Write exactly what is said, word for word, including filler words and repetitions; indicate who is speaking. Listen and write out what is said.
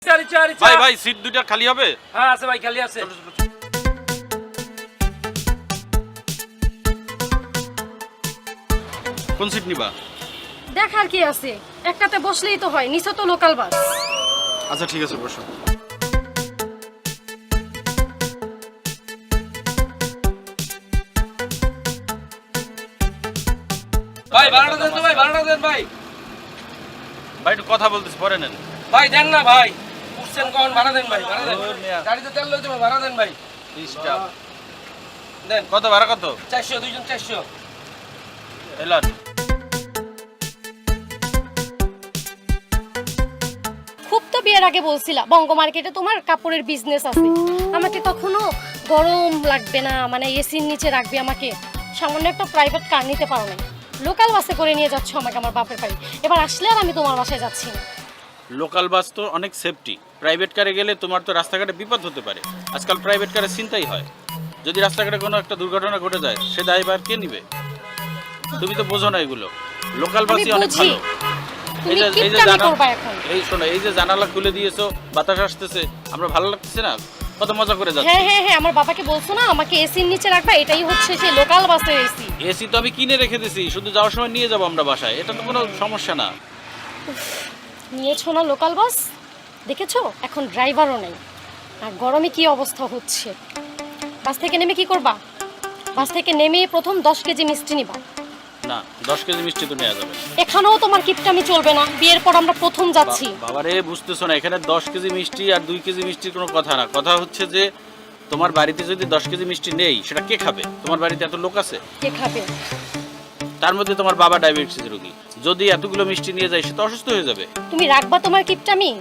Speaker 1: চারি চারি
Speaker 2: ভাই ভাই সিট দুইটা খালি হবে?
Speaker 1: হ্যাঁ আছে ভাই, খালি আছে।
Speaker 2: কোন সিট নিবা?
Speaker 3: দেখার কি আছে, একটাতে বসলেই তো হয়, নিচে তো লোকাল বাস।
Speaker 2: আচ্ছা ঠিক আছে, বসো।
Speaker 1: ভাই ভাড়াটা দেন তো ভাই, ভাড়াটা দেন ভাই।
Speaker 2: ভাই একটু কথা বলতেছি, পরে নেন।
Speaker 1: ভাই দেন না ভাই, উঠছেন কখন, ভাড়া দেন ভাই, ভাড়া দেন।
Speaker 2: ওর মিয়া।
Speaker 1: গাড়িতে তেল লইতে হবে, ভাড়া দেন ভাই।
Speaker 2: ডিস্টার্ব।
Speaker 1: দেন
Speaker 2: কত ভাড়া কত?
Speaker 1: চারশো, দুইজন চারশো।
Speaker 2: এলান।
Speaker 3: খুব তো বিয়ের আগে বলছিলা বঙ্গ মার্কেটে তোমার কাপড়ের বিজনেস আছে, আমাকে কখনো গরম লাগবে না, মানে এসির নিচে রাখবে আমাকে, সামান্য একটা প্রাইভেট কার নিতে পারো না, লোকাল বাসে করে নিয়ে যাচ্ছ আমাকে আমার বাপের বাড়ি। এবার আসলে আর আমি তোমার বাসায় যাচ্ছি না।
Speaker 2: লোকাল বাস তো অনেক সেফটি, প্রাইভেট কারে গেলে তোমার তো রাস্তাঘাটে বিপদ হতে পারে। আজকাল প্রাইভেট কারে চিন্তাই হয়, যদি রাস্তাঘাটে কোনো একটা দুর্ঘটনা ঘটে যায় সে দায়ভার কে নিবে? তুমি তো বোঝো না এগুলো। লোকাল
Speaker 3: আমি
Speaker 2: বাসই অনেক
Speaker 3: বুঝি।
Speaker 2: ভালো।
Speaker 3: তুমি
Speaker 2: এই যে এই যে
Speaker 3: কিপটামি
Speaker 2: জানা-
Speaker 3: করবা এখন।
Speaker 2: এই শোনো, এই যে জানালা খুলে দিয়েছো, বাতাস আসতেছে, আমরা ভালো লাগতেছে না? কত মজা করে যাচ্ছি।
Speaker 3: হ্যাঁ হ্যাঁ হ্যাঁ, আমার বাবাকে বলছো না আমাকে এসির নিচে রাখবা, এটাই হচ্ছে সেই লোকাল বাসের এসি।
Speaker 2: এসি তো আমি কিনে রেখে দিছি, শুধু যাওয়ার সময় নিয়ে যাবো আমরা বাসায়, এটা তো কোনো সমস্যা না।
Speaker 3: নিয়েছো না লোকাল বাস, দেখেছো এখন ড্রাইভারও নেই, আর গরমে কি অবস্থা হচ্ছে। বাস থেকে নেমে কি করবা? বাস থেকে নেমে প্রথম দশ কেজি মিষ্টি নিবা।
Speaker 2: না, দশ কেজি মিষ্টি তো নেওয়া যাবে না।
Speaker 3: এখানেও তোমার কিপটামি চলবে না, বিয়ের পর আমরা প্রথম যাচ্ছি।
Speaker 2: বা- বাবারে বুঝতেছো না, এখানে দশ কেজি মিষ্টি আর দুই কেজি মিষ্টির কোনো কথা না। কথা হচ্ছে যে তোমার বাড়িতে যদি দশ কেজি মিষ্টি নেই, সেটা কে খাবে? তোমার বাড়িতে এত লোক আছে,
Speaker 3: কে খাবে?
Speaker 2: তার মধ্যে তোমার বাবা ডায়াবেটিস রোগী, যদি এতগুলো মিষ্টি নিয়ে যায় সে তো অসুস্থ হয়ে যাবে।
Speaker 3: তুমি রাখবা তোমার কিপটামি?